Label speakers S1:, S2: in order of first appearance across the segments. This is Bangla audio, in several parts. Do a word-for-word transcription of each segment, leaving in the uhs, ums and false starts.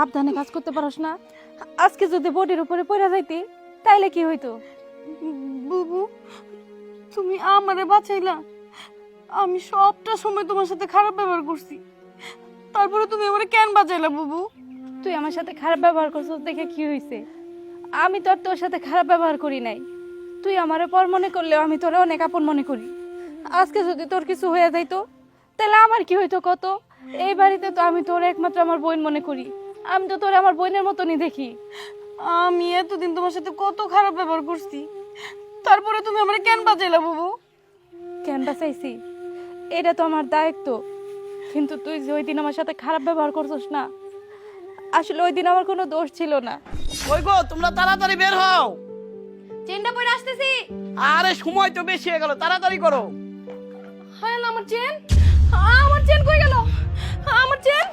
S1: সাবধানে কাজ করতে পারস না? আজকে যদি বডির উপরে পড়ে যাইতি তাইলে কি হইতো?
S2: বুবু তুমি আমারে বাঁচাইলা। আমি সবটা সময় তোমার সাথে খারাপ ব্যবহার করছি, তারপরে তুমি আমারে কেন বাঁচাইলা বুবু?
S1: তুই আমার সাথে খারাপ ব্যবহার করছিস দেখে কি হইছে? আমি তো আর তোর সাথে খারাপ ব্যবহার করি নাই। তুই আমারে পর মনে করলেও আমি তোরে অনেক আপন মনে করি। আজকে যদি তোর কিছু হয়ে যাইতো তাহলে আমার কি হইতো কত? এই বাড়িতে তো আমি তোর একমাত্র আমার বোন মনে করি। আমি তো তোর আমার বোনের মতনই দেখি।
S2: আমি এতদিন তোমার সাথে কত খারাপ ব্যবহার করছি, তারপরে তুমি আমারে কেন বাঁচাইলা বুবু?
S1: কেন বাঁচাইছি এটা তো আমার দায়িত্ব, কিন্তু তুই যে ওই দিন আমার সাথে খারাপ ব্যবহার করছিস না, আসলে ওই দিন আমার কোনো দোষ ছিল না।
S3: কই গো, তোমরা তাড়াতাড়ি বের হও।
S1: চেনটা পরে আসতেছি।
S3: আরে সময় তো বেশি হয়ে গেল, তাড়াতাড়ি করো।
S2: হায় আল্লাহ, আমার চেন, আমার চেন কই গেল? আমার চেন,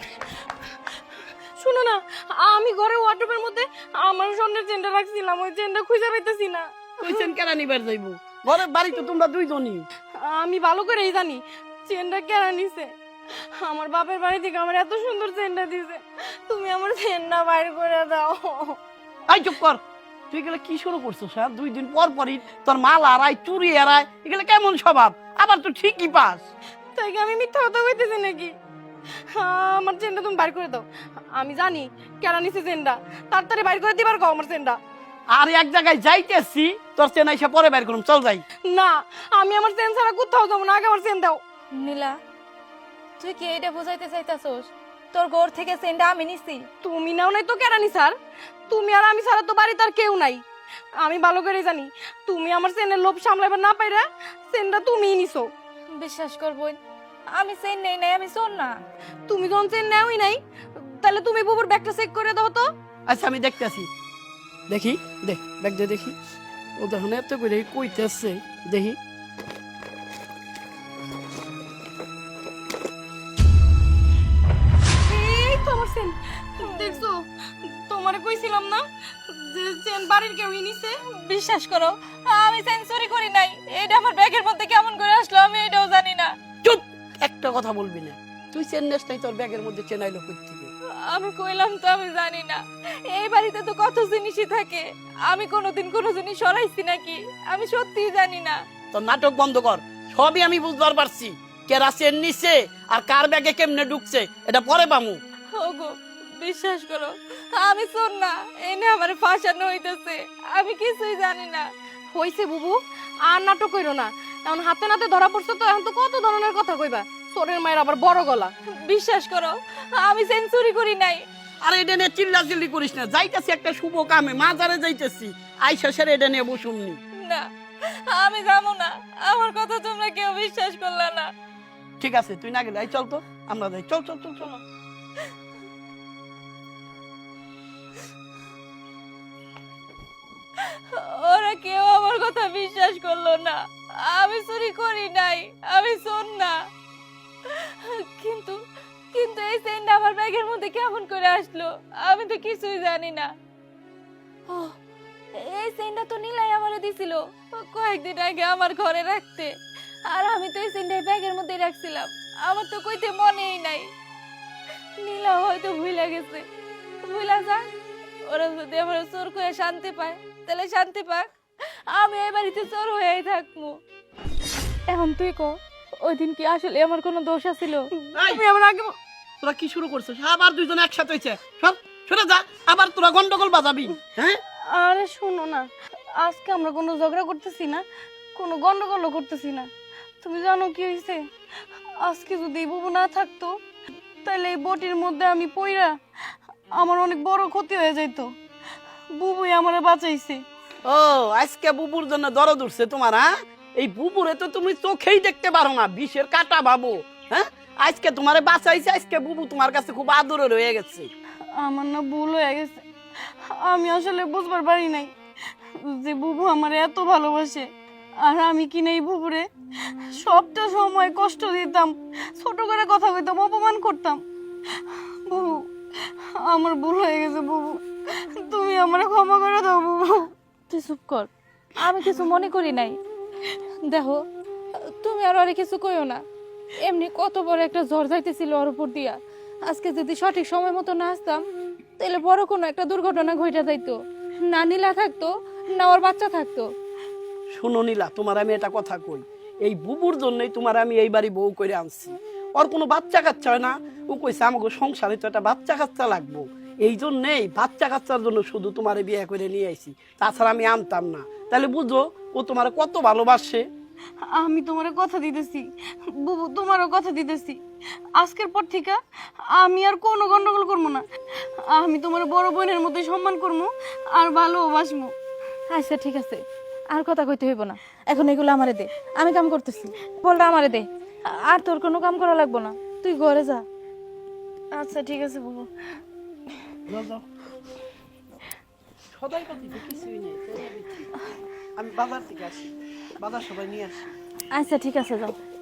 S2: শুনো না, আমি ঘরে ওয়ার্ডরোবের মধ্যে আমার স্বর্ণের চেনটা রাখছিলাম, ওই চেনটা খুঁজে পাইতেছি না।
S3: কইছেন কেন নিবার যাইবো? ঘরের বাড়ি তো তোমরা দুইজনই।
S2: আমি ভালো করেই জানি চেনটা কেনা নিছে। আমার বাপের বাড়ি থেকে আমার এত সুন্দর চেনটা দিছে, তুমি আমার চেনটা বাইর করে দাও।
S3: আই চুপ কর। তুই গেলে কি শুরু করছো স্যার? দুই দিন পর পরই তোর মাল আড়াই, চুরি আড়াই, এগুলো কেমন স্বভাব? আবার তো ঠিকই পাস।
S2: তাই কি আমি মিথ্যা কথা কইতেছি নাকি? আমার চেনটা তুমি বাইর করে দাও। আমি জানি কেনা নিছে চেনটা, তাড়াতাড়ি বাইর করে দিবার কও আমার চেনটা।
S3: আর এক জায়গায় যাইতেছি, তোর চেন আইসা পরে বের করুম, চল যাই।
S2: না, আমি আমার চেন ছাড়া কোথাও যাবো না, আগে আমার চেন দাও।
S1: নীলা, তুই কি এটা বুঝাইতে চাইতাছস তোর ঘর থেকে চেনটা আমি নিছি?
S2: তুমি নাও নাই তো কেরানি স্যার, তুমি আর আমি ছাড়া তো বাড়িতে আর কেউ নাই। আমি ভালো করে জানি তুমি আমার চেনের লোভ সামলাইবার না পাইরা চেনটা তুমিই নিছো।
S1: বিশ্বাস কর বোন, আমি চেন নেই নাই, আমি শোন না।
S2: তুমি যখন চেন নেওই নাই, তাহলে তুমি বুবুর ব্যাগটা চেক করে দাও তো।
S3: আচ্ছা আমি দেখতেছি। দেখি, দেখ ব্যাগ দিয়ে দেখি। ও দেখুন এত করে কইতেছে, দেখি।
S2: এই তো আমার চেন, দেখছো? তোমারে কইছিলাম না যে চেন বাড়ির কেউই নিছে।
S1: বিশ্বাস করো, আমি চেন চুরি করি নাই। এটা আমার ব্যাগের মধ্যে কেমন করে আসলো আমি এটাও জানি না।
S3: চুপ, একটা কথা বলবি না। তুই চেন নেস নাই, তোর ব্যাগের মধ্যে চেন আইলো কই থেকে?
S1: আমি কইলাম তো আমি জানি না। এই বাড়িতে তো কত জিনিসই থাকে, আমি কোনোদিন কোনো জিনিস সরাইছি নাকি আমি সত্যিই জানি না।
S3: তোর নাটক বন্ধ কর। সবই আমি বুঝবার পারছি, কেরা চেন নিছে আর কার ব্যাগে কেমনে ঢুকছে এটা পরে পামু।
S1: ওগো বিশ্বাস করো, আমি শোন না, এনে আমার ফাঁসানো হইতেছে, আমি কিছুই জানি না।
S2: হইছে বুবু, আর নাটক কইরো না। এখন হাতে নাতে ধরা পড়ছে তো, এখন তো কত ধরনের কথা কইবা। চোরের মায়ের আবার বড় গলা।
S1: বিশ্বাস করো, আমি চেন চুরি করি নাই।
S3: আর এটা নিয়ে চিল্লা চিল্লি করিস না। যাইতেছি একটা শুভ কামে, মাজারে যাইতেছি, আইসা সেরে এটা নিয়ে বসুমনি।
S1: না, আমি যাবো না, আমার কথা তোমরা কেউ বিশ্বাস করলে না।
S3: ঠিক আছে, তুই না গেলে আই চল তো, আমরা যাই। চল চল চল চল।
S1: ওরা কেউ আমার কথা বিশ্বাস করলো না। আমি চুরি করি নাই, আমি শোন না। কিন্তু কিন্তু এই চেনটা আমার ব্যাগের মধ্যে কেমন করে আসলো আমি তো কিছুই জানি না। ও, এই চেনটা তো নীলাই আমারে দিছিল কয়েকদিন আগে আমার ঘরে রাখতে, আর আমি তো এই চেনটা ব্যাগের মধ্যে রাখছিলাম, আমার তো কইতে মনেই নাই। নীলা হয়তো ভুলে গেছে, ভুলা যাক। ওরা যদি আমার চোর করে শান্তি পায় তাহলে শান্তি পাক, আমি এই বাড়িতে চোর হয়েই থাকবো। এখন তুই কো, ওই দিন কি আসলে আমার কোনো দোষ আছিল?
S2: তুমি আমার আগে ব-
S3: তোরা কি শুরু করছিস? আবার দুইজন একসাথে হইছে। সব সরে যা, আবার তোরা গন্ডগোল বাজাবি। হ্যাঁ,
S2: আরে শোনো না, আজকে আমরা কোনো ঝগড়া করতেছি না, কোনো গন্ডগোলও করতেছি না। তুমি জানো কি হয়েছে? আজকে যদি এই বুবু না থাকতো, তাহলে এই বটির মধ্যে আমি পইরা আমার অনেক বড় ক্ষতি হয়ে যাইতো। বুবুই আমারে বাঁচাইছে।
S3: ও আজকে বুবুর জন্য দরদ উঠছে তোমার? হ্যাঁ, এই বুবুরে তো তুমি চোখেই দেখতে পারো না, বিষের কাটা ভাবো। হ্যাঁ, আজকে তোমারে বাঁচাইছে, আজকে বুবু তোমার কাছে খুব আদরে রয়ে গেছে।
S2: আমার না ভুল হয়ে গেছে, আমি আসলে বুঝবার পারি নাই যে বুবু আমার এত ভালোবাসে, আর আমি কিনা এই বুবুরে সবটা সময় কষ্ট দিতাম, ছোট করে কথা কইতাম, অপমান করতাম। বুবু, আমার ভুল হয়ে গেছে বুবু, তুমি আমারে ক্ষমা করে দাও বুবু।
S1: তুই চুপ কর, আমি কিছু মনে করি নাই। দেখো, তুমি আর ওরে কিছু কইও না। এমনি কত বড় একটা ঝড় যাইতেছিল ওর উপর দিয়া, আজকে যদি সঠিক সময় মতো না আসতাম তাহলে বড় কোনো একটা দুর্ঘটনা ঘটে যাইতো, না নীলা থাকতো না ওর বাচ্চা থাকতো।
S3: শোনো নীলা, তোমার আমি এটা কথা কই, এই বুবুর জন্যই তোমার আমি এই বাড়ি বউ করে আনছি। ওর কোনো বাচ্চা কাচ্চা হয় না, ও কইছে আমাকে সংসারে তো একটা বাচ্চা কাচ্চা লাগবো, এই জন্যেই বাচ্চা কাচ্চার জন্য শুধু তোমার বিয়ে করে নিয়ে আইছি, তাছাড়া আমি আনতাম না। তাহলে বুঝো ও তোমার কত ভালোবাসে।
S2: আমি তোমার কথা দিতেছি বুবু, তোমারও কথা দিতেছি, আজকের পর থেকে আমি আর কোনো গন্ডগোল করবো না। আমি তোমার বড় বোনের মতোই সম্মান করবো আর ভালোবাসবো।
S1: আচ্ছা ঠিক আছে, আর কথা কইতে হইব না, এখন এগুলো আমারে দে, আমি কাম করতেছি। বলটা আমারে দে, আর তোর কোনো কাম করা লাগবো না, তুই ঘরে যা।
S2: আচ্ছা ঠিক আছে বুবু।
S3: যাও, যাও। সদাই কথা তো কিছুই নেই, চলে দিচ্ছি। আমি বাজার থেকে আসি, বাজার সবাই নিয়ে আসি।
S1: আচ্ছা ঠিক আছে, যাও।